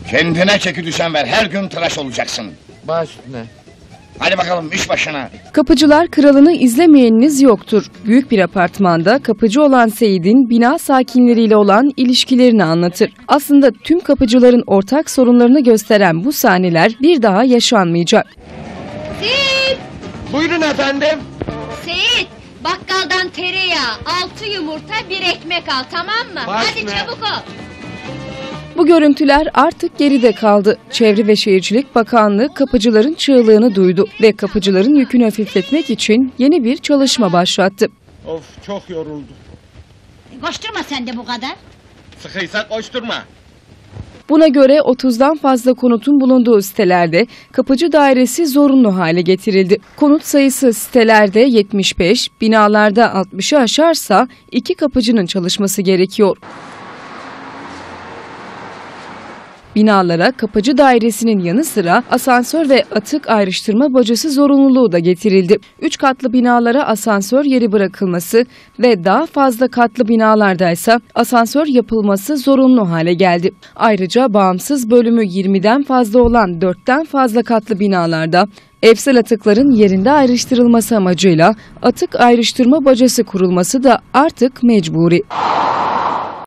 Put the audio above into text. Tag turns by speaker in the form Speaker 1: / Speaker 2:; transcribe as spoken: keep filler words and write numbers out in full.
Speaker 1: Kendine çeki düzen ver, her gün tıraş olacaksın.
Speaker 2: Baş üstüne.
Speaker 1: Hadi bakalım iş başına.
Speaker 3: Kapıcılar Kralı'nı izlemeyeniniz yoktur. Büyük bir apartmanda kapıcı olan Seyit'in bina sakinleriyle olan ilişkilerini anlatır. Aslında tüm kapıcıların ortak sorunlarını gösteren bu sahneler bir daha yaşanmayacak.
Speaker 4: Seyit!
Speaker 2: Buyurun efendim.
Speaker 4: Seyit! Bakkaldan tereyağı, altı yumurta, bir ekmek al, tamam mı?
Speaker 2: Baş
Speaker 4: Hadi
Speaker 2: ne?
Speaker 4: çabuk ol.
Speaker 3: Bu görüntüler artık geride kaldı. Çevre ve Şehircilik Bakanlığı kapıcıların çığlığını duydu ve kapıcıların yükünü hafifletmek için yeni bir çalışma başlattı.
Speaker 2: Of, çok yoruldu.
Speaker 4: Koşturma sen de bu kadar.
Speaker 2: Sıkıysa koşturma.
Speaker 3: Buna göre otuzdan fazla konutun bulunduğu sitelerde kapıcı dairesi zorunlu hale getirildi. Konut sayısı sitelerde yetmiş beş, binalarda altmışı aşarsa iki kapıcının çalışması gerekiyor. Binalara kapıcı dairesinin yanı sıra asansör ve atık ayrıştırma bacası zorunluluğu da getirildi. Üç katlı binalara asansör yeri bırakılması ve daha fazla katlı binalardaysa asansör yapılması zorunlu hale geldi. Ayrıca bağımsız bölümü yirmiden fazla olan dörtten fazla katlı binalarda evsel atıkların yerinde ayrıştırılması amacıyla atık ayrıştırma bacası kurulması da artık mecburi.